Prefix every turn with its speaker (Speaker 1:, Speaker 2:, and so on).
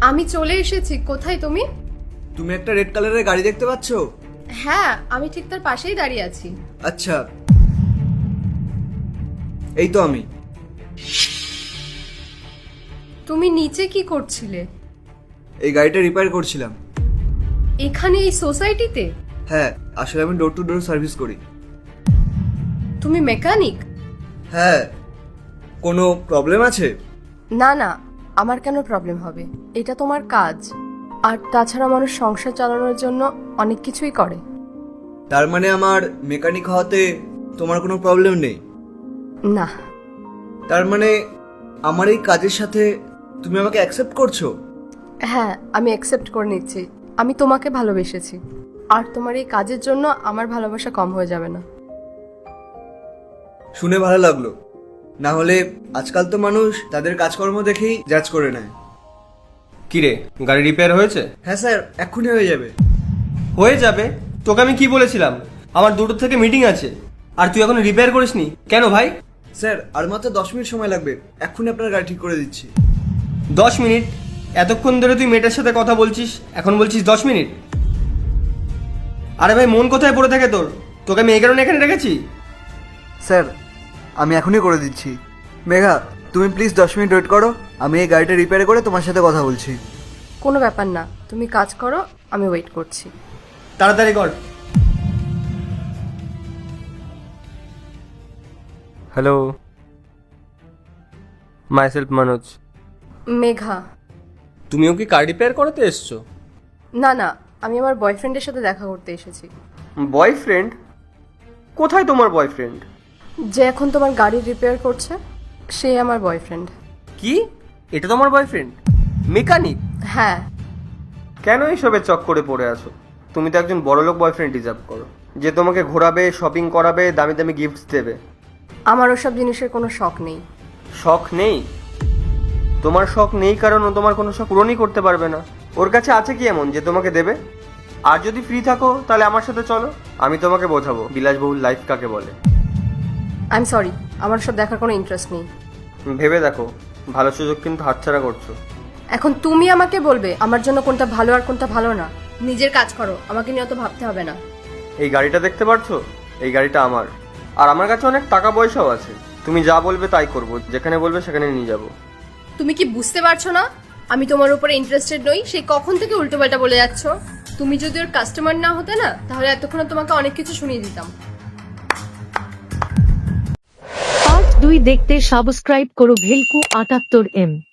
Speaker 1: আমি চলে এসেছি। কোথায় তুমি?
Speaker 2: তুমি একটা রেড কালারের গাড়ি দেখতে পাচ্ছো?
Speaker 1: হ্যাঁ, আমি ঠিক তার পাশেই দাঁড়িয়ে আছি।
Speaker 2: আচ্ছা, এই তো আমি।
Speaker 1: তুমি নিচে কি করছিলে?
Speaker 2: এই গাড়িটা রিপেয়ার করছিলাম।
Speaker 1: এখানে এই সোসাইটিতে?
Speaker 2: হ্যাঁ, আসলে আমি ডোর টু ডোর সার্ভিস করি।
Speaker 1: তুমি মেকানিক?
Speaker 2: হ্যাঁ, কোনো প্রবলেম আছে?
Speaker 1: না না, আমার কেন প্রবলেম হবে? এটা তোমার কাজ। আর তাছাড়া মানুষ সংসার চালানোর জন্য অনেক কিছুই করে।
Speaker 2: তার মানে আমার মেকানিক হওয়াতে তোমার কোনো প্রবলেম নেই?
Speaker 1: না।
Speaker 2: তার মানে আমার এই কাজের সাথে তুমি আমাকে অ্যাকসেপ্ট করছো?
Speaker 1: হ্যাঁ, আমি অ্যাকসেপ্ট করে নিচ্ছি। আমি তোমাকে ভালোবেসেছি, আর তোমার এই কাজের জন্য আমার ভালোবাসা কম হয়ে যাবে না।
Speaker 2: শুনে ভালো লাগলো। না হলে আজকাল তো মানুষ তাদের কাজকর্ম দেখেই জাজ করে নেয়।
Speaker 3: কিরে, গাড়ি রিপেয়ার হয়েছে?
Speaker 2: হ্যাঁ স্যার, এক্ষুনি হয়ে যাবে।
Speaker 3: হয়ে যাবে? তোকে আমি কি বলেছিলাম আমার 2টো থেকে মিটিং আছে, আর তুই এখন রিপেয়ার করিসনি কেন ভাই?
Speaker 2: স্যার, আর মাত্র 10 মিনিট সময় লাগবে, এক্ষুনি আপনার গাড়ি ঠিক করে দিচ্ছি।
Speaker 3: 10 মিনিট? এতক্ষণ ধরে তুই মেয়েটার সাথে কথা বলছিস, এখন বলছিস 10 মিনিট? আরে ভাই, মন কোথায় পড়ে থাকে তোর? তোকে আমি এই কারণে এখানে রেখেছি।
Speaker 2: স্যার, আমি এখনই করে দিচ্ছি। মেঘা, তুমি প্লিজ 10 মিনিট ওয়েট করো, আমি এই গাড়িটা রিপেয়ার করে তোমার সাথে কথা বলছি।
Speaker 1: কোনো ব্যাপার না, তুমি কাজ করো, আমি ওয়েট করছি।
Speaker 3: তাড়াতাড়ি কর। Hello, myself Manoj.
Speaker 1: মেঘা।
Speaker 3: তুমিও কি কার রিপেয়ার করাতে এসছো?
Speaker 1: না না, আমি আমার বয়ফ্রেন্ডের সাথে দেখা করতে এসেছি।
Speaker 3: বয়ফ্রেন্ড? কোথায় তোমার বয়ফ্রেন্ড?
Speaker 1: যে এখন তোমার গাড়ি রিপেয়ার করছে, সে আমার বয়ফ্রেন্ড।
Speaker 3: কি? এটা তোমার বয়ফ্রেন্ড? মেকানিক?
Speaker 1: হ্যাঁ।
Speaker 3: কেন এইসবের চক্করে পড়ে আছো? তুমি তো একজন বড়লোক বয়ফ্রেন্ড ডিজার্ভ করো, যে তোমাকে ঘোরাবে, শপিং করাবে, দামি দামি গিফটস দেবে।
Speaker 1: আমার ওসব জিনিসের কোনো শখ নেই।
Speaker 3: শখ নেই? তোমার শখ নেই কারণ ও তোমার কোনো শখ পূরণই করতে পারবে না। ওর কাছে আছে কি এমন যে তোমাকে দেবে? আর যদি ফ্রি থাকো তাহলে আমার সাথে চলো, আমি তোমাকে বোঝাবো বিলাসবহুল লাইফ কাকে বলে।
Speaker 1: আই এম সরি, আমার সব দেখার কোনো ইন্টারেস্ট নেই।
Speaker 3: ভেবে দেখো, ভালো সুযোগ কিন্তু হাতছাড়া করছো।
Speaker 1: এখন তুমি আমাকে বলবে আমার জন্য কোনটা ভালো আর কোনটা ভালো না? নিজের কাজ করো, আমাকে নিয়ে অত ভাবতে হবে না।
Speaker 3: এই গাড়িটা দেখতে পারছো? এই গাড়িটা আমার, আর আমার কাছে অনেক টাকা পয়সাও আছে। তুমি যা বলবে তাই করবো, যেখানে বলবে সেখানে নিয়ে যাবো।
Speaker 1: তুমি কি বুঝতে পারছো না আমি তোমার উপরে ইন্টারেস্টেড নই? সেই কখন থেকে উল্টোপাল্টা বলে যাচ্ছ। তুমি যদি ওর কাস্টমার না হতে না, তাহলে এতক্ষণ তোমাকে অনেক কিছু শুনিয়ে দিতাম।
Speaker 4: পার্ট 2 দেখতে সাবস্ক্রাইব করো ভেলকু 78M।